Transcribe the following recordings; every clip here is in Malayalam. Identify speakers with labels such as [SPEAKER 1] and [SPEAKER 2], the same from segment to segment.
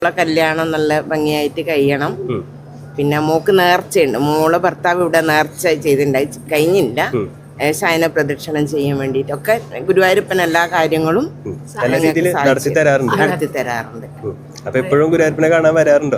[SPEAKER 1] കല്യാണം നല്ല ഭംഗിയായിട്ട് കഴിയണം. പിന്നെ മോക്ക് നേർച്ചയുണ്ട്. മോളെ ഭർത്താവ് ഇവിടെ നേർച്ച ചെയ്തിട്ടുണ്ടായി, കഴിഞ്ഞില്ല. ശയന പ്രദക്ഷിണം ചെയ്യാൻ വേണ്ടിട്ടൊക്കെ ഗുരുവായൂരപ്പൻ എല്ലാ കാര്യങ്ങളും നടത്തി തരാറുണ്ട്.
[SPEAKER 2] അപ്പൊ എപ്പോഴും ഗുരുവായൂരപ്പനെ കാണാൻ വരാറുണ്ടോ?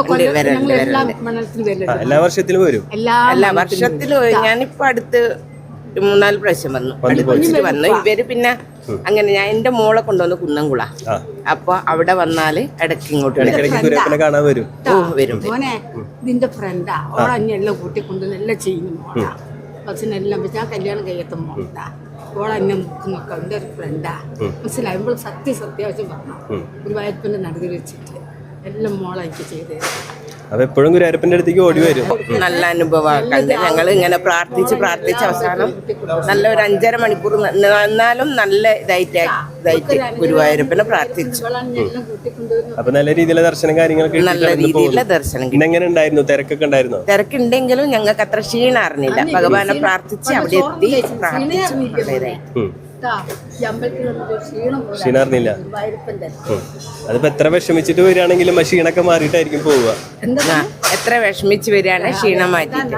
[SPEAKER 2] എല്ലാ വർഷത്തിലും വരും.
[SPEAKER 1] എല്ലാ വർഷത്തിലും ഞാനിപ്പോ അടുത്ത് 3-4 പ്രാവശ്യം വന്നു. ഇവര് പിന്നെ അങ്ങനെ ഞാൻ എന്റെ മോളെ കൊണ്ടുവന്ന് കുന്നംകുള, അപ്പൊ അവിടെ വന്നാല് ഇടയ്ക്ക് ഇങ്ങോട്ട്
[SPEAKER 2] കാണാൻ വരും.
[SPEAKER 3] ഇതിന്റെ ഫ്രണ്ടാ ഓളെല്ലാം കൂട്ടിക്കൊണ്ട് നല്ല ചെയ്യുന്നു മോളാ. ബസ്സിനെല്ലാം ഞാൻ കല്യാണം കഴിയത്ത മോളാ. ഓളെന്നെ നോക്കുന്നൊക്കെ എൻ്റെ ഒരു ഫ്രണ്ടാ. മനസ്സിലായുമ്പോൾ സത്യാവശ്യം പറഞ്ഞു ഗുരുവായൂരപ്പൻ്റെ നടുവിൽ വെച്ചിട്ട് എല്ലാം മോളെ എനിക്ക് ചെയ്ത്.
[SPEAKER 2] അപ്പൊ എപ്പോഴും ഗുരുവായൂരപ്പന്റെ അടുത്തേക്ക് ഓടി വരും.
[SPEAKER 1] നല്ല അനുഭവമാക്കണ്ട്. ഞങ്ങൾ ഇങ്ങനെ പ്രാർത്ഥിച്ച് അവസാനം നല്ല ഒരു 5.5 മണിക്കൂർ എന്നാലും നല്ല ഇതായിട്ട് ഗുരുവായൂരപ്പനെ പ്രാർത്ഥിച്ചു.
[SPEAKER 2] അപ്പൊ നല്ല രീതിയിലുള്ള ദർശനം കാര്യങ്ങളൊക്കെ
[SPEAKER 1] നല്ല രീതിയിലുള്ള ദർശനം.
[SPEAKER 2] എങ്ങനെ ഉണ്ടായിരുന്നു? തിരക്കൊക്കെ ഉണ്ടായിരുന്നോ?
[SPEAKER 1] തിരക്കുണ്ടെങ്കിലും ഞങ്ങൾക്ക് അത്ര ക്ഷീണം അറിഞ്ഞില്ല. ഭഗവാനെ പ്രാർത്ഥിച്ച് അവിടെ എത്തി പ്രാർത്ഥിച്ചു.
[SPEAKER 2] ക്ഷീണറിഞ്ഞില്ല. അതിപ്പോ എത്ര വിഷമിച്ചിട്ട് വരികയാണെങ്കിലും ക്ഷീണൊക്കെ മാറിയിട്ടായിരിക്കും പോവുക.
[SPEAKER 1] എത്ര വിഷമിച്ച് വരികയാണ് ക്ഷീണം മാറ്റിട്ട്.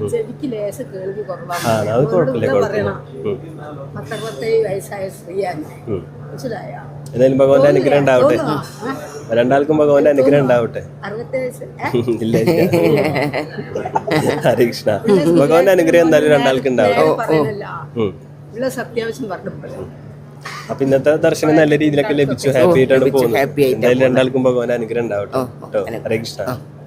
[SPEAKER 2] അത് കുഴപ്പമില്ല. എന്തായാലും ഭഗവാന്റെ അനുഗ്രഹം ഉണ്ടാവട്ടെ. രണ്ടാൾക്കും ഭഗവാന്റെ അനുഗ്രഹം ഉണ്ടാവട്ടെ. ഇല്ല ഹരേ കൃഷ്ണ. ഭഗവാന്റെ അനുഗ്രഹം എന്തായാലും രണ്ടാൾക്കും ഉണ്ടാവട്ടെ. അപ്പൊ ഇന്നത്തെ ദർശനം നല്ല രീതിയിലൊക്കെ ലഭിച്ചു. ഹാപ്പി ആയിട്ടാണ് പോകുന്നത്. എന്തായാലും രണ്ടാൾക്കും ഭഗവാന്റെ അനുഗ്രഹം ഉണ്ടാവട്ടെ. ഹരേ കൃഷ്ണ.